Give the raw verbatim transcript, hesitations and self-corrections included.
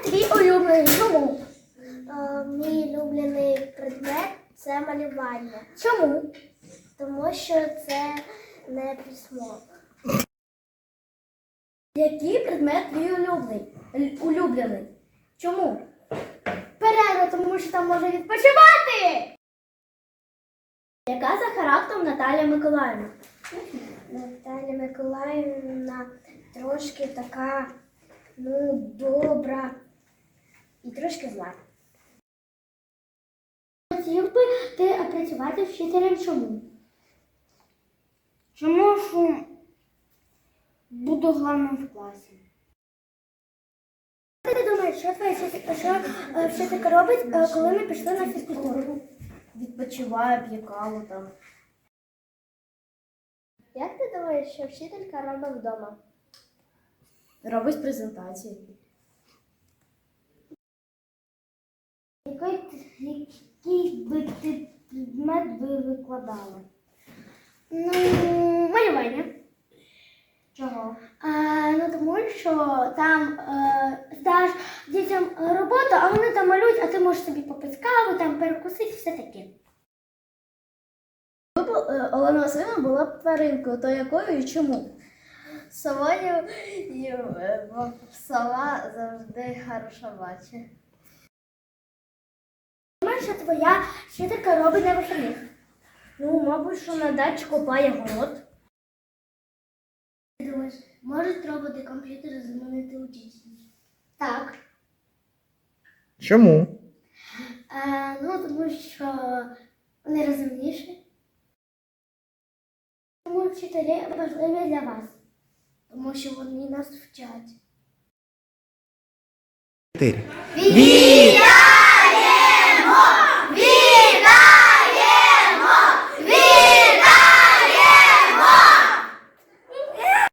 предмет твій улюблений. Чому? Е, Мій улюблений предмет це малювання, Чому? тому що це не письмо. Який предмет твій улюблений? Л- улюблений? Чому? Перерва, тому що там можна відпочивати. Яка за характером Наталія Миколаївна? Наталя Миколаївна трошки така, ну, добра і трошки зла. Хотів би ти працювати вчителем чому? Чому що буду головним в класі? Ти думаєш, що твоя вчителька, що е, вчителька робить, е, коли ми пішли на фізкультуру? Відпочиває, п'є каву там. Як ти думаєш, що вчителька робить вдома? Робить презентації. Який, який би ти предмет би викладала? Ну, малювання. Чого? А, ну, тому що там е, даш дітям роботу, а вони там малюють, а ти можеш собі попити каву, там перекусити, все таке. Олена Васильівна була б тваринкою, то якою і чому? Совою і бо сова завжди хороша бачить. Думаєш, що твоя вчителька робить на вихідних? Ну, мабуть, що на дачі копає город. Ти думаєш, можуть роботи комп'ютери замінити учительницю? Так. Чому? Е, ну, тому що вони розумніші. Тому вчителі важливі для вас. Тому що вони нас вчать. Чотири. Віта!